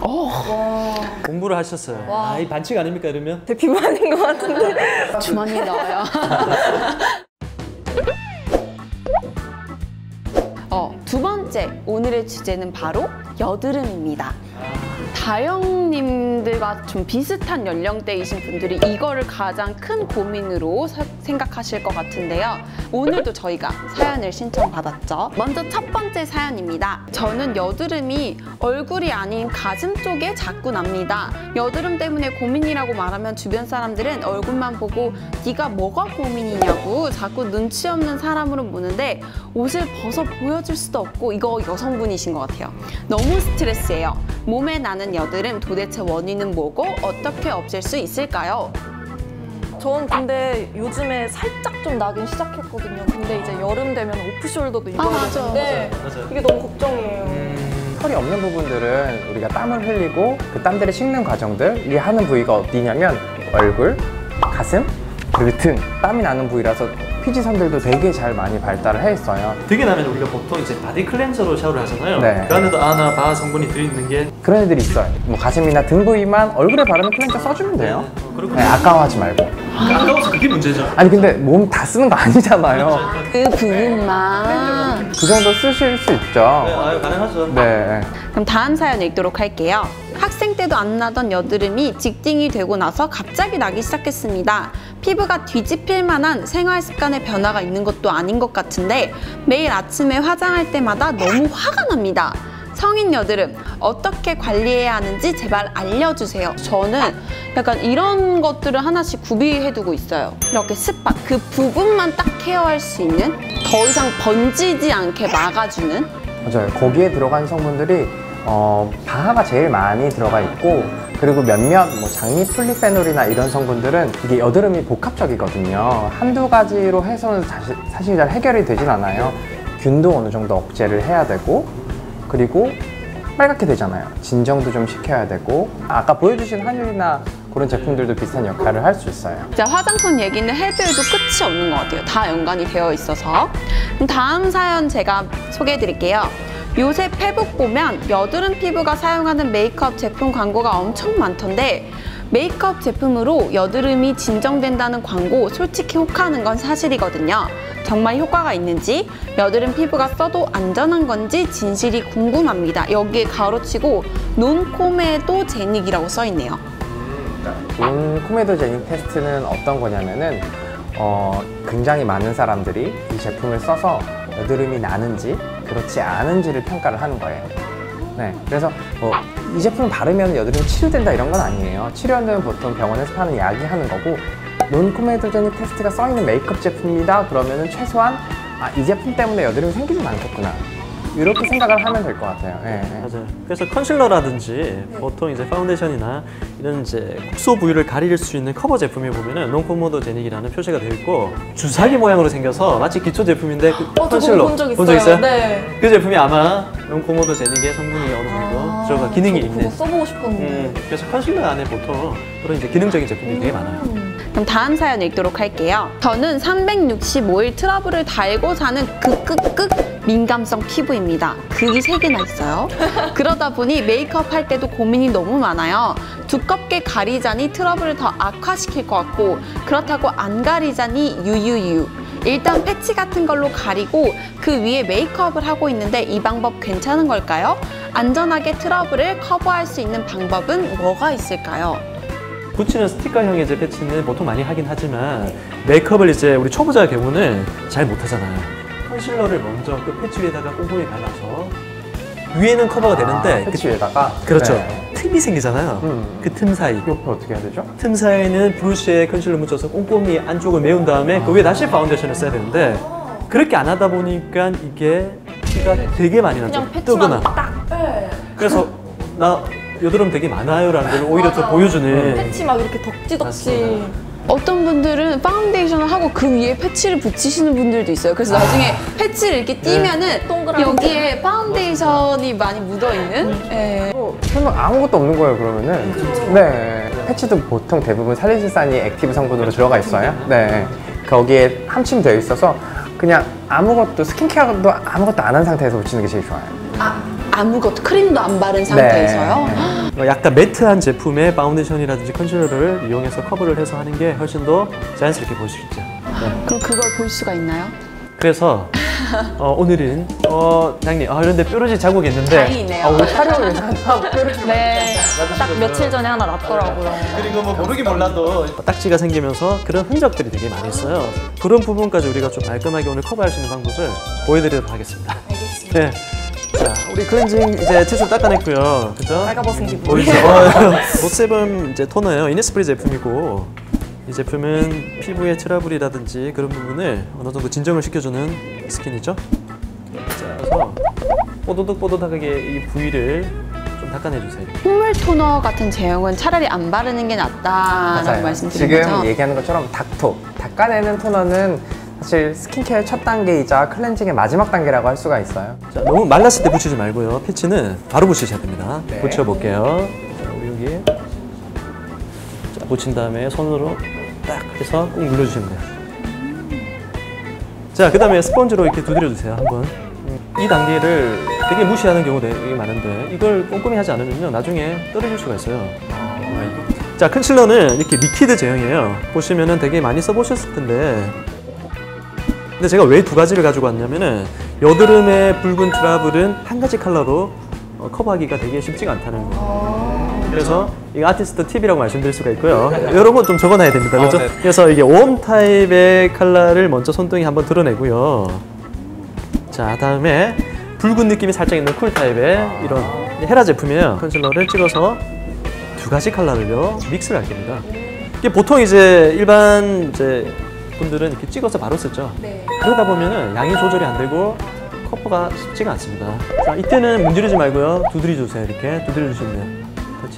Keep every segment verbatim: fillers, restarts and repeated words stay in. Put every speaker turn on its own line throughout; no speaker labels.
와.
공부를 하셨어요.
와.
아, 이 반칙 아닙니까 이러면?
제 비만인 것 같은데. 주머니에 넣어요. 어, 두 번째, 오늘의 주제는 바로 여드름입니다. 다영님들과 좀 비슷한 연령대이신 분들이 이거를 가장 큰 고민으로 사, 생각하실 것 같은데요. 오늘도 저희가 사연을 신청받았죠. 먼저 첫 번째 사연입니다. 저는 여드름이 얼굴이 아닌 가슴 쪽에 자꾸 납니다. 여드름 때문에 고민이라고 말하면 주변 사람들은 얼굴만 보고 네가 뭐가 고민이냐고 자꾸 눈치 없는 사람으로 보는데 옷을 벗어 보여줄 수도 없고 이거 여성분이신 것 같아요. 너무 스트레스예요. 몸에 나는 여드름 도대체 원인은 뭐고 어떻게 없앨 수 있을까요?
전 근데 요즘에 살짝 좀 나긴 시작했거든요. 근데 이제 여름 되면 오프숄더도 입어야
아, 맞아.
되는데
맞아요.
이게 너무 걱정이에요.
음, 털이 없는 부분들은 우리가 땀을 흘리고 그 땀들이 식는 과정들이 하는 부위가 어디냐면 얼굴, 가슴, 그리고 등. 땀이 나는 부위라서 피지선들도 되게 잘 많이 발달을 해 있어요.
되게 나면 우리가 보통 이제 바디 클렌저로 샤워를 하잖아요.
네.
그 안에도 아나 바 성분이 들어있는 게
그런 애들이 있어요. 뭐 가슴이나 등 부위만 얼굴에 바르는 클렌저 써주면 돼요.
네, 어, 그렇군요.
네, 아까워하지 말고.
아까워서 그게 문제죠.
아니 근데 몸 다 쓰는 거 아니잖아요.
그 부분만.
그 정도 쓰실 수 있죠.
네, 아유, 가능하죠.
네.
그럼 다음 사연 읽도록 할게요. 학생 때도 안 나던 여드름이 직딩이 되고 나서 갑자기 나기 시작했습니다. 피부가 뒤집힐 만한 생활 습관의 변화가 있는 것도 아닌 것 같은데 매일 아침에 화장할 때마다 너무 화가 납니다. 성인 여드름 어떻게 관리해야 하는지 제발 알려주세요. 저는 약간 이런 것들을 하나씩 구비해두고 있어요. 이렇게 스팟, 그 부분만 딱 케어할 수 있는, 더 이상 번지지 않게 막아주는.
맞아요. 거기에 들어간 성분들이 어, 방아가 제일 많이 들어가 있고 그리고 몇몇 뭐 장미 폴리페놀이나 이런 성분들은 이게 여드름이 복합적이거든요. 한두 가지로 해서는 사실, 사실 잘 해결이 되진 않아요. 균도 어느 정도 억제를 해야 되고 그리고 빨갛게 되잖아요. 진정도 좀 시켜야 되고 아까 보여주신 한율이나 그런 제품들도 비슷한 역할을 할 수 있어요.
자, 화장품 얘기는 해도 해도 끝이 없는 것 같아요. 다 연관이 되어 있어서. 그럼 다음 사연 제가 소개해 드릴게요. 요새 페북 보면 여드름 피부가 사용하는 메이크업 제품 광고가 엄청 많던데 메이크업 제품으로 여드름이 진정된다는 광고 솔직히 혹하는 건 사실이거든요. 정말 효과가 있는지 여드름 피부가 써도 안전한 건지 진실이 궁금합니다. 여기에 가로치고 논코메도제닉이라고 써있네요.
논코메도제닉 테스트는 어떤 거냐면은 어, 굉장히 많은 사람들이 이 제품을 써서 여드름이 나는지 그렇지 않은지를 평가를 하는 거예요. 네, 그래서 뭐 이 제품을 바르면 여드름이 치료된다 이런 건 아니에요. 치료는 보통 병원에서 파는 약이 하는 거고 논코메도제닉 테스트가 써있는 메이크업 제품이다 그러면은 최소한 아, 이 제품 때문에 여드름이 생기진 않겠구나 이렇게 생각을 하면 될 것 같아요. 네, 네.
맞아요. 그래서 컨실러라든지 보통 이제 파운데이션이나 이런 이제 국소 부위를 가릴 수 있는 커버 제품에 보면은 논코메도제닉이라는 표시가 되어 있고 주사기 모양으로 생겨서 마치 기초 제품인데 그
어,
컨실러
본 적 있어요.
본 적 있어요?
네.
그 제품이 아마 논코메도제닉의 성분이 어느 정도
아,
들어가 기능이
저도
있는.
그거 써보고 싶었는데.
음, 그래서 컨실러 안에 보통 그런 이제 기능적인 제품이 되게 많아요.
그럼 다음 사연 읽도록 할게요. 저는 삼백육십오 일 트러블을 달고 사는 극극극 민감성 피부입니다. 극이 세 개나 있어요. 그러다 보니 메이크업 할 때도 고민이 너무 많아요. 두껍게 가리자니 트러블을 더 악화시킬 것 같고 그렇다고 안 가리자니 유유유. 일단 패치 같은 걸로 가리고 그 위에 메이크업을 하고 있는데 이 방법 괜찮은 걸까요? 안전하게 트러블을 커버할 수 있는 방법은 뭐가 있을까요?
붙이는 스티커형의 이제 패치는 보통 많이 하긴 하지만 메이크업을 이제 우리 초보자 경우는 잘 못하잖아요. 컨실러를 먼저 그 패치 위에다가 꼼꼼히 발라서 위에는 커버가 되는데
아, 패치 위에다가?
그렇죠.
네.
틈이 생기잖아요.
음.
그 틈 사이.
옆에 어떻게 해야 되죠?
틈 사이에는 브러쉬에 컨실러 묻혀서 꼼꼼히 안쪽을 메운 다음에 그 위에 다시 파운데이션을 써야 되는데 그렇게 안 하다 보니까 이게 티가 되게 많이 나죠.
그냥 패치만
뜨거나.
딱. 네.
그래서 나 여드름 되게 많아요 라는 걸 오히려 더 보여주는.
패치 막 이렇게 덕지덕지.
맞습니다.
어떤 분들은 파운데이션을 하고 그 위에 패치를 붙이시는 분들도 있어요. 그래서 나중에 패치를 이렇게 띄면은
동그라미.
여기에 파운데이션이 많이 묻어있는? 네.
어, 설마 아무것도 없는 거예요 그러면은? 네. 패치도 보통 대부분 살리실산이 액티브 성분으로 들어가 있어요. 네. 거기에 함침되어 있어서 그냥 아무것도 스킨케어도 아무것도 안 한 상태에서 붙이는 게 제일 좋아요.
아, 아무것도 크림도 안 바른 상태에서요?
네.
어, 약간 매트한 제품의 파운데이션이라든지 컨실러를 이용해서 커버를 해서 하는 게 훨씬 더 자연스럽게 보일 수 있죠. 네.
그럼 그걸 볼 수가 있나요?
그래서 어, 오늘은 어, 장님 아 그런데 뾰루지 자국이 있는데
다행이네요.
아, 오늘 촬영을 위해서 항상 뾰루지
네, 딱 며칠 전에 하나 났더라고요.
그리고 뭐 모르긴 몰라도 딱지가 생기면서 그런 흔적들이 되게 많이 있어요. 그런 부분까지 우리가 좀 깔끔하게 오늘 커버할 수 있는 방법을 보여드리도록 하겠습니다. 알겠습니다. 네. 자, 우리 클렌징 이제 티슈 닦아냈고요. 그죠?
빨가벗은 기분.
보이죠? 어, 노세븐 이제 토너예요. 이니스프리 제품이고 이 제품은 피부의 트러블이라든지 그런 부분을 어느 정도 진정을 시켜주는 스킨이죠. 자, 그래서 뽀드득뽀드득하게 이 부위를 좀 닦아내주세요.
콧물 토너 같은 제형은 차라리 안 바르는 게 낫다라고
맞아요.
말씀드린
지금
거죠?
얘기하는 것처럼 닥토, 닦아내는 토너는 사실 스킨케어의 첫 단계이자 클렌징의 마지막 단계라고 할 수가 있어요.
자, 너무 말랐을 때 붙이지 말고요. 패치는 바로 붙이셔야 됩니다.
네.
붙여볼게요. 자, 우리 여기 자, 붙인 다음에 손으로 딱 해서 꾹 눌러주시면 돼요. 자, 그 다음에 스펀지로 이렇게 두드려주세요. 한번. 이 단계를 되게 무시하는 경우도 되게 많은데 이걸 꼼꼼히 하지 않으면요 나중에 떨어질 수가 있어요. 자, 컨실러는 이렇게 리퀴드 제형이에요. 보시면은 되게 많이 써보셨을 텐데 근데 제가 왜 두 가지를 가지고 왔냐면은 여드름의 붉은 트러블은 한 가지 컬러로 어, 커버하기가 되게 쉽지가 않다는 거예요. 그래서 이거 아티스트 팁이라고 말씀드릴 수가 있고요. 이런 건 좀 적어놔야 됩니다. 그렇죠?
네.
그래서 이게 웜 타입의 컬러를 먼저 손등에 한번 드러내고요. 자, 다음에 붉은 느낌이 살짝 있는 쿨 타입의 이런 헤라 제품이에요. 컨실러를 찍어서 두 가지 컬러를요 믹스를 할 겁니다. 이게 보통 이제 일반 이제 분들은 이렇게 찍어서 바로 쓰죠.
네.
그러다 보면은 양이 조절이 안 되고 커버가 쉽지가 않습니다. 자, 이때는 문지르지 말고요. 두드려 주세요. 이렇게 두드려 주시면 돼요. 터치,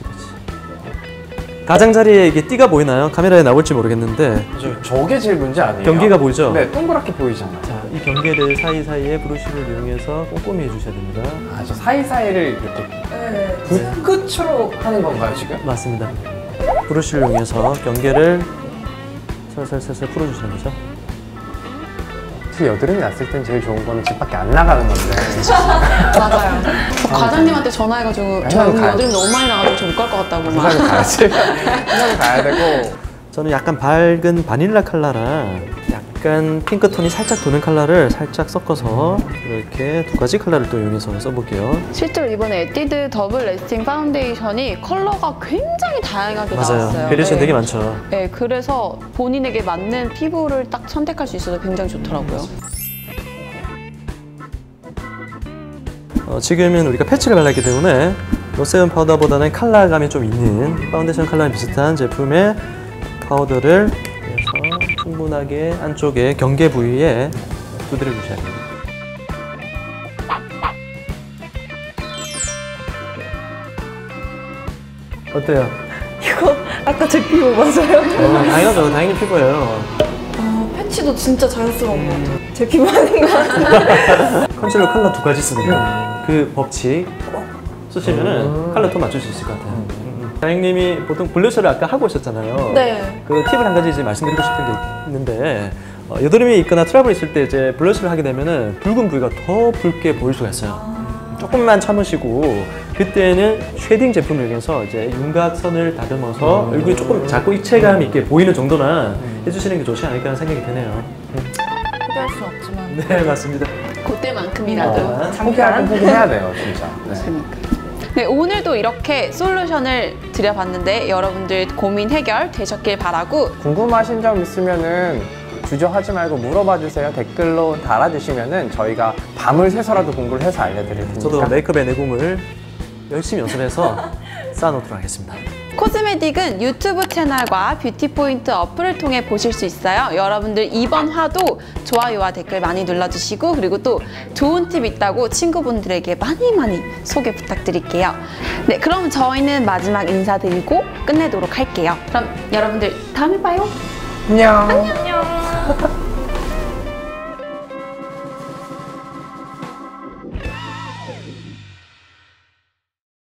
터치. 가장자리에 이게 띠가 보이나요? 카메라에 나올지 모르겠는데
저, 저게 제일 문제 아니에요?
경계가 보이죠?
네, 동그랗게 보이잖아요.
자, 이 경계를 사이사이에 브러쉬를 이용해서 꼼꼼히 해주셔야 됩니다.
아, 저 사이사이를 이렇게
네.
붓끝으로 하는 건가요, 지금?
맞습니다. 브러쉬를 이용해서 경계를 살살살살 풀어주시는 거죠.
특히 여드름이 났을 땐 제일 좋은 거는 집 밖에 안 나가는 건데.
맞아요. 저 과장님한테 전화해가지고 저
당연히 가야죠.
여드름 너무 많이 나가지고 저 못 갈 것 같다고 막.
부산에 가야지. 부산에 가야 되고.
저는 약간 밝은 바닐라 컬러랑 약간 핑크톤이 살짝 도는 컬러를 살짝 섞어서 이렇게 두 가지 컬러를 또 이용해서 써볼게요.
실제로 이번에 에뛰드 더블 레스팅 파운데이션이 컬러가 굉장히 다양하게
맞아요.
나왔어요.
베리에이션
네.
되게 많죠.
네, 그래서 본인에게 맞는 피부를 딱 선택할 수 있어서 굉장히 좋더라고요.
어, 지금은 우리가 패치를 발랐기 때문에 노세븐 파우더보다는 컬러감이 좀 있는 파운데이션 컬러랑 비슷한 제품의 파우더를 해서 충분하게 안쪽에 경계 부위에 두드려 주셔야 됩니다. 어때요?
이거 아까 제 피부 맞아요?
어, 당연하죠. 당연히 피부예요.
아, 패치도 진짜 자연스러운 것 같아요. 제 피부 아닌 것 같은데.
컨실러 컬러 두 가지 쓰는 거. 그 법칙 꼭 쓰시면은 컬러 톤 맞출 수 있을 것 같아요. 다행님이 보통 블러셔를 아까 하고 오셨잖아요.
네.
그 팁을 한 가지 이제 말씀드리고 싶은 게 있는데 어, 여드름이 있거나 트러블이 있을 때 이제 블러셔를 하게 되면은 붉은 부위가 더 붉게 보일 수가 있어요.
아.
조금만 참으시고 그때는 쉐딩 제품을 이용해서 이제 윤곽선을 다듬어서
음.
얼굴이 조금 작고 입체감 있게 보이는 정도나 해주시는 게 좋지 않을까 하는 생각이 드네요.
포기할 수 없지만.
네, 맞습니다.
그때만큼이라도.
어.
상쾌하게 포기해야 돼요, 진짜. 네.
그러니까. 네, 오늘도 이렇게 솔루션을 드려봤는데 여러분들 고민 해결 되셨길 바라고
궁금하신 점 있으면은 주저하지 말고 물어봐 주세요. 댓글로 달아주시면은 저희가 밤을 새서라도 공부를 해서 알려드릴 테니까.
저도 메이크업의 내공을 열심히 연습해서 쌓아놓도록 하겠습니다.
코스메딕은 유튜브 채널과 뷰티 포인트 어플을 통해 보실 수 있어요. 여러분들 이번 화도 좋아요와 댓글 많이 눌러주시고 그리고 또 좋은 팁 있다고 친구분들에게 많이 많이 소개 부탁드릴게요. 네, 그럼 저희는 마지막 인사드리고 끝내도록 할게요. 그럼 여러분들 다음에 봐요.
안녕.
안녕.